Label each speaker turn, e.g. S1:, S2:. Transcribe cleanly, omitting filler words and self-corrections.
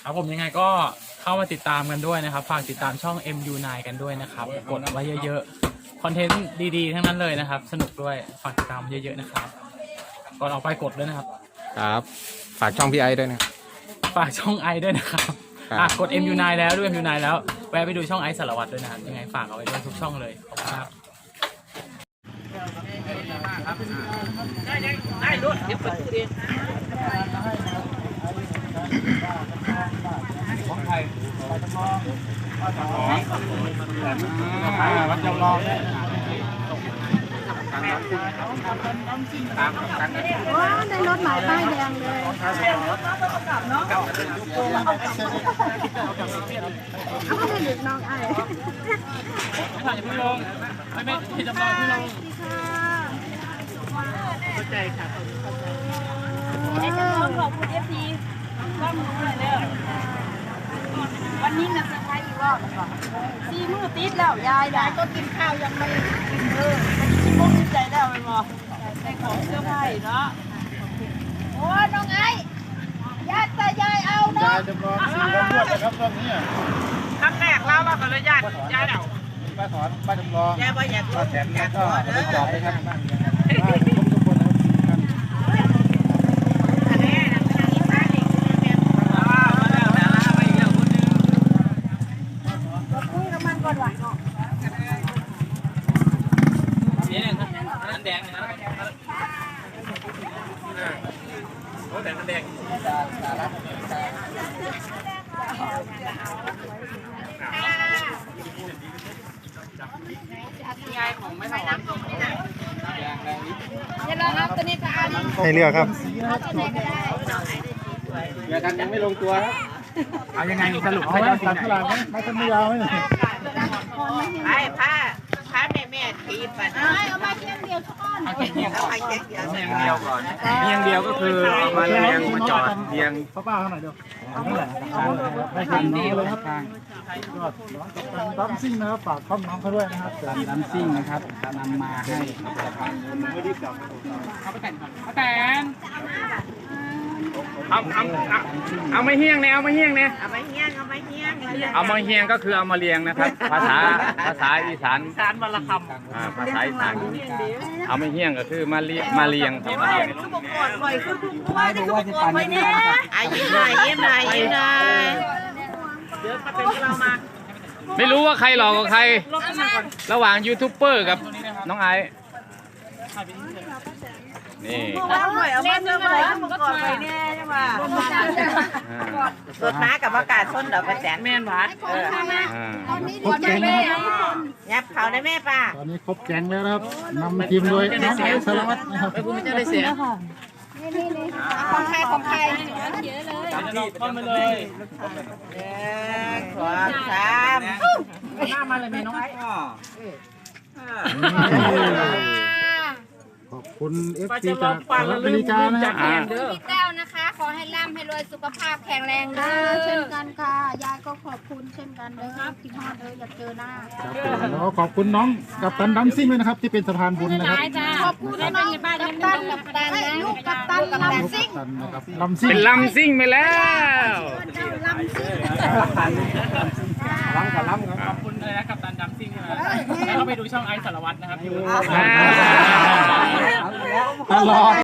S1: ครับผมยังไงก็เข้ามาติดตามกันด้วยนะครับฝากติดตามช่อง MU9 กันด้วยนะครับกดไว้เยอะๆคอนเทนต์ดีๆทั้งนั้นเลยนะครับสนุกด้วยฝากติดตามเยอะๆนะครับก่อนออกไปกดด้วยนะครับ
S2: ครับฝากช่องพี่ไอด้วยนะ
S1: ฝากช่องไอด้วยนะครับกด MU9 แล้วด้วย MU9 แล้วแวะไปดูช่องไอสารวัตรด้วยนะครับยังไงฝากเอาไว้ด้วยทุกช่องเลยขอบคุณครับได้รถเดี๋ยวเปิดตู้เองของไทยวัดจำลองวัดจำลอง
S3: ว้าในรถหมายป้ายแดงเลยเอาไปหยุดน้องไอ้
S1: ถ่ายพี่ลงไม่จำลองพี่ลงเข้าใจค่ะ
S3: ไอ้จำลองขอบคุณFPก็มือเลยเนี่ยวันนี้นะจะใช้อีกรอบสี่มื้อติดแล้วยายก็กินข้าวยังไม่กินวันนี้ชิมมุกชิมใจแล้วไปบ่ใส่ของเสื้อผ้าเนาะโอ้น้องไอ้ยายแต่ยายเอาเนาะ
S4: ยายจำลอง4 วันรวดเลยครับตอนนี้
S1: ครั้งแรกแล้วเราก็เลยยายเดา
S4: ป้าถอนป้าจำลอง
S3: ยายว่าอยาก
S4: ป้าแถมก็ไปจอดเลยครับได้ทุกคน
S3: อันนี้นะอีป้าเด็กเนี่ยคุยกับมันก่อนว่ะ
S1: นี่นั่นแดงนะโอ้แต่นั่นแดงยายของไม่ทำ
S3: จะลองเอาตัวนี้ก็เอา
S2: ให้เลือกครับ
S3: เอาตัวไหนก็ได้
S4: เดี๋ยวกันยังไม่ลงตัวครับ
S1: เอายังไงสรุป
S4: เอา
S1: ให้
S4: ไว้
S1: เรา
S4: ตัดเท่าไหร่ไหมไม่ต้องไม่ยาวไหมเนี่ย
S3: ไอ้ผ้าแม่ทีปัดเอามาเพียงเดียวทุกคน
S1: เอาแค่เดียว
S3: เอาไปเดียว
S2: เรียงเดียวก่อนเรียงเดียวก็คือเอามาเรียงมาจอดเรียง
S4: ป้าข้างไหนเดียวไม่ถึงน้องเลยครับทางยอดน้องกับตันดัมซิ่งนะครับฝากข้อมน้องเขาด้วยนะครับดัมซิ่งนะครับนำมาให้
S1: เอาไปแต่งเอาแต่งเอาไม่เฮี้ยงเนี่ยเอาไม่เฮี้ยงเนี่ย
S3: เอาไปเฮี้ยง
S2: เอามาเฮียงก็คือเอามาเรียงนะครับ ภาษาอีสาน
S1: สารบรรค
S2: ภาษาอีสานเอามาเฮียงก็คือมาเรียงครับมาเรียง
S3: คือบุกกดบ่อยคือบุกกดคือบุกกดไปเนี่ยยิ้มหน่อยเดี๋ยวมาเป็นเรามา
S2: ไม่รู้ว่าใครหลอกกับใคร ระหว่างยูทูบเบอร์กับน้องไอซ์นี่
S3: เอาหน่อยเอามาเจอมาบุกกดไปเนี่ยใช่ไหมสดน้ากับอากาศส้นดอกกระแสแม่นหวาน
S4: ครบแก๊งนะครับ
S3: ยับเขาได้แม่ป้า
S4: ตอนนี้ครบแก๊งแล้วนะครับนำทีมโดยน้องไอซ์สารวัตรนะครับ
S1: ไม่พูดไม่ได้เสีย
S3: ของใคร
S1: จะลองเข้ามาเลย
S3: ขวาสาม
S1: หน้ามาเลยน้องไอ้
S4: ขอบคุณFPจากอเมริกานะครับ
S5: พี่แต้วนะคะ ขอให้ร่ำให้รวยสุขภาพแข็งแรงเด้อ
S3: เช่นกันค่ะยายก็ขอบคุณเช่นกันเด้อพี่ฮอดเด้ออยากเจอหน้า
S4: ครับผมแล้วก็ขอบคุณน้องกับตันดัมซิ่งด้วยนะครับที่เป็นสะพานบุญนะครับ
S3: ขอบคุณน้องกัปตันลูกกัปตันลำซิ่ง
S4: ตันนะครับลำซิ่ง
S2: เป็นลำซิ่งไปแล้ว
S3: เจ้าลำซิ่ง
S4: ล้ำกับล้ำครับ
S1: ขอบคุณเลยนะกับตันดัมซิ่งนะแล้วก็ไปดูช่องไอซ์สารวัตรนะครับ
S4: ตลอด